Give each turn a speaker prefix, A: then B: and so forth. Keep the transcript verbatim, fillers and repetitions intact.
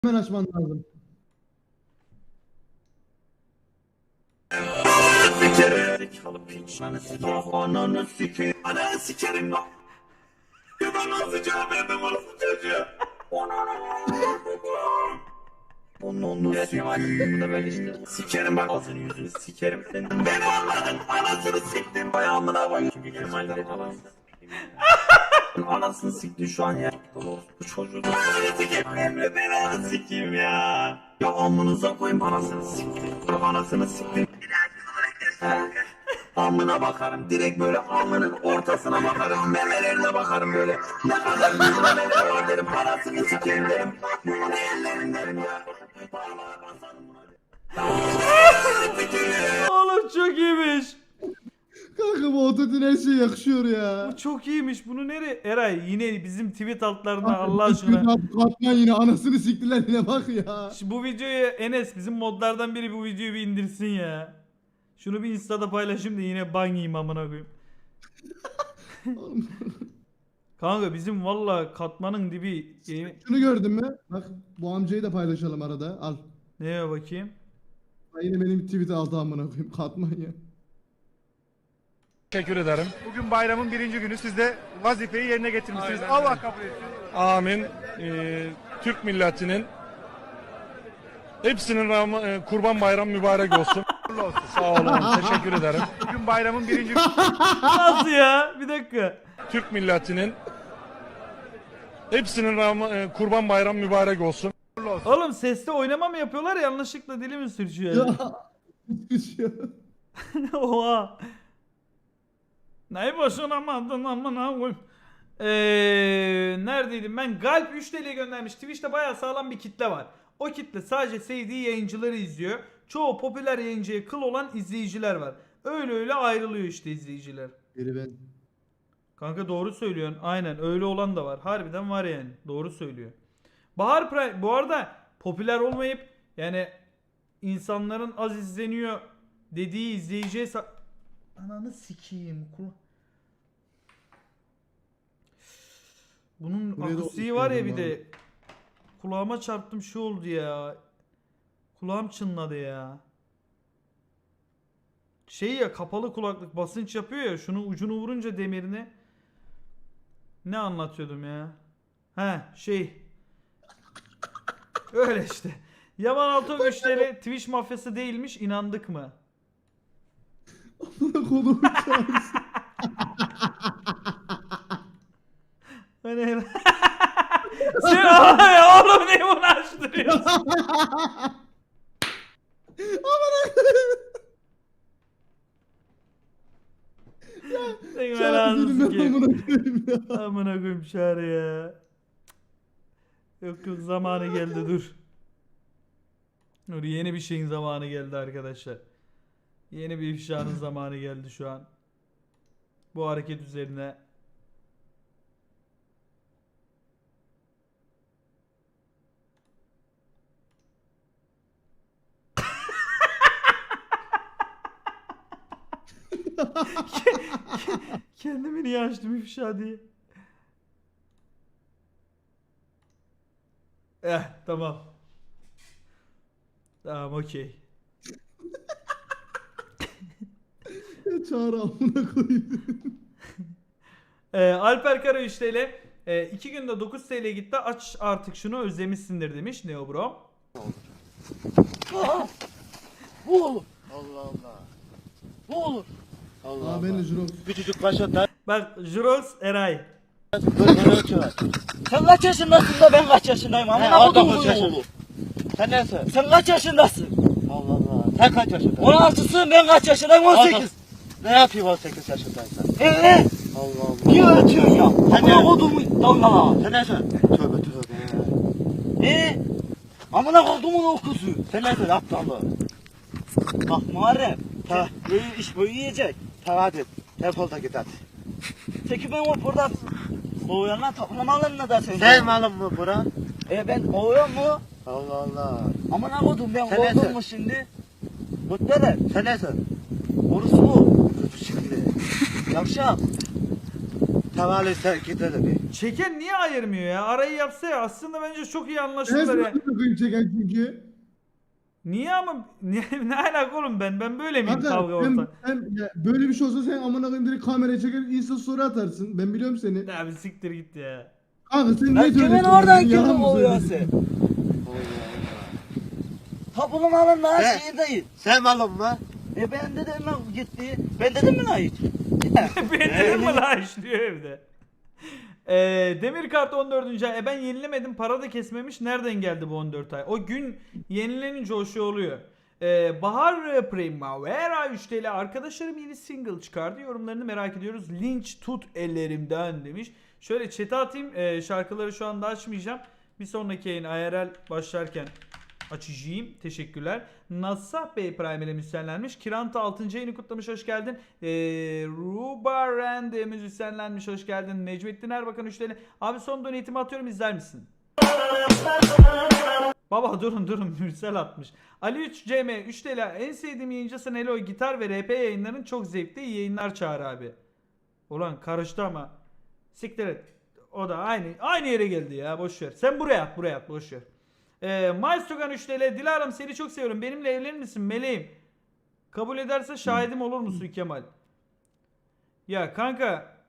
A: Hemen açman lazım.
B: Kalı piç. Ananı sikerim. Ananı sikerim. Ananı sikerim lan. Ben nasıl cevap verdim orası çocuğa? Onun sikerim. Böyle işte. Sikerim bak ağzını yüzünü sikerim senin. Beni anladın. Anasını siktim. Ayağımına bak. Çünkü Kemal'de falan. Anasını sikti şu an ya. Bu çocuğu da anasını sikeyim. Emre beni anasını sikeyim ya. Ya amınıza koyayım anasını siktim. Ya anasını siktim. Amına bakarım direkt böyle amının ortasına bakarım, memelerine bakarım böyle. Ne kadar güzel memeler var derim, parasını sikeyim derim. Bunu ellerim derim ya. Parmağa basarım buna.
C: Oğlum çok iyiymiş.
A: Kanka bu ototune her şey yakışıyor ya.
C: Bu çok iyiymiş. Bunu nereye? Eray yine bizim tweet altlarına Allah aşkına.
A: Katman yine anasını siktiler yine bak ya.
C: Şu bu videoyu Enes bizim modlardan biri bu videoyu bir indirsin ya. Şunu bir Insta'da paylaşayım da yine ban yiyeyim amına koyayım. Kanka bizim valla katmanın dibi.
A: Şunu gördün mü? Bak bu amcayı da paylaşalım arada. Al.
C: Neye bakayım?
A: Ha, yine benim tweet altı amına koyayım. Katman ya.
D: Teşekkür ederim.
E: Bugün bayramın birinci günü siz de vazifeyi yerine getirmişsiniz.
D: Aynen
E: Allah
D: öyle.
E: kabul etsin.
D: Amin. Ee, Türk milletinin hepsinin Ram- e, Kurban Bayramı mübarek olsun.
E: Hayırlı olsun.
D: Sağ olun. Teşekkür ederim.
E: Bugün bayramın birinci
C: Nasıl ya? Bir dakika.
D: Türk milletinin hepsinin Ram- e, Kurban Bayramı mübarek olsun.
E: günü olsun.
C: Oğlum sesle oynama mı yapıyorlar yanlışlıkla dili mi sürçüyor?
A: Ya.
C: Oha. Neyi boşanamadın amına koyayım. Eee neredeydim ben? Galp üç T L göndermiş. Twitch'te bayağı sağlam bir kitle var. O kitle sadece sevdiği yayıncıları izliyor. Çoğu popüler yayıncıya kıl olan izleyiciler var. Öyle öyle ayrılıyor işte izleyiciler.
A: Biri ben.
C: Kanka doğru söylüyorsun. Aynen öyle olan da var. Harbiden var yani. Doğru söylüyor. Bahar Prime bu arada popüler olmayıp yani insanların az izleniyor dediği izleyiciye sa- Ananı sikeyim. Kul- Bunun
A: Buraya da
C: akustiği var ya bir
A: oluşturuyorum
C: de. Kulağıma çarptım şu oldu ya. Kulağım çınladı ya. Şey ya kapalı kulaklık basınç yapıyor ya şunu ucunu vurunca demirine. Ne anlatıyordum ya? He şey. Öyle işte. Yaman Altıok üç T L Twitch mafyası değilmiş inandık mı?
A: Amına kolumu çağırsın.
C: Hani sen ay oğlum ne bunu açtırıyorsun? Sen
A: Çağrı
C: belanı
A: dedim ben
C: sikeyim.
A: amına koyayım ya.
C: Amına koyayım Çağrı ya. Yok yok zamanı geldi dur. Dur yeni bir şeyin zamanı geldi arkadaşlar. Yeni bir ifşanın zamanı geldi şu an. Bu hareket üzerine. Kendimi niye açtım ifşa diye. Eh tamam. Tamam okey.
A: Ya Çağrı amına koyayım.
C: Ee, Alper Kara üç T L. Ee, iki günde dokuz T L gitti. Aç artık şunu özlemişsindir demiş Neo Bro.
F: Bu olur. Allah Allah. Bu olur. Allah
A: Aa
F: Allah.
A: ben de Jurok.
F: Küçücük başa da
C: Bak Jurox Eray.
F: böyle ölçüyor. Sen kaç yaşındasın da ben kaç yaşındayım? Amına kodum bu oğlu. Sen neyse? Sen kaç yaşındasın? Allah Allah. Sen kaç yaşındasın? on altısın ben kaç yaşındayım? on sekiz. Ne yapayım on sekiz yaşındaysan? Eee? Allah Allah. Niye öğretiyorsun ya? Amına kodumu dalgala. Sen neyse? Tövbe tövbe. Eee? Amına kodumun okusu. Sen neyse aptallı. Bak Muharrem. Ta, iyi iş bu yiyecek. Ta hadi. Defol da git hadi. Peki ben o buradan kovuyanlar toplamalarına da sen. Sen malın mı bura? E ben kovuyorum mu? Allah Allah. Amına kodum ben kovdum mu şimdi? Mutlere. Sen nesin? Orası bu. Şimdi. Yavşak. Tavali sen gidelim.
C: Çeken niye ayırmıyor ya? Arayı yapsa ya. Aslında bence çok iyi
A: Ben
C: anlaşırlar ya.
A: sana çeken çünkü.
C: Niye ama ne, ne alaka oğlum ben? Ben böyle miyim
A: Kanka
C: kavga
A: sen,
C: orta?
A: sen ya böyle bir şey olsa sen amına koyayım direkt kameraya çeker insta story atarsın. Ben biliyorum seni.
C: Ya bir siktir git ya.
A: Kanka sen
F: Lan
A: ne
F: kimin
A: söylüyorsun?
F: oradan
A: Yalan
F: kimin
A: mı
F: oluyor
A: söylüyorsun?
F: sen? Tapunun alın lan
G: Sen-
F: şeyi değil.
G: Sen malum mu?
F: E ben dedim lan gitti. Ben dedim mi lan hiç?
C: Ben dedim mi la işliyor evde. Ee, Demir kart on dördüncü ay. E ben yenilemedim. Para da kesmemiş. Nereden geldi bu on dört ay? O gün yenilenince o şey oluyor. Ee, Bahar Primavera üç T L. Arkadaşlarım yeni single çıkardı. Yorumlarını merak ediyoruz. Linç tut ellerimden demiş. Şöyle chat'e atayım. Ee, şarkıları şu anda açmayacağım. Bir sonraki yayın I R L başlarken açacağım. Teşekkürler. Nassah Bey Prime ile müzisyenlenmiş. Kiranta altıncı ayını kutlamış. Hoş geldin. Ee, Ruba Rende müzisyenlenmiş. Hoş geldin. Necmettin Erbakan üç T L. Abi son donatimi atıyorum, izler misin? Baba durun durun, Mürsel atmış. Ali üç C M üç T L. En sevdiğim yayıncısın Elo. Gitar ve R P yayınların çok zevkli. İyi yayınlar Çağır abi. Ulan karıştı ama. Siktir et. O da aynı aynı yere geldi ya. Boş ver. Sen buraya at, buraya at. Boş ver. Ee, Maestrogan üç T L. Dilara'm seni çok seviyorum. Benimle evlenir misin meleğim? Kabul ederse şahidim olur musun Kemal? Ya kanka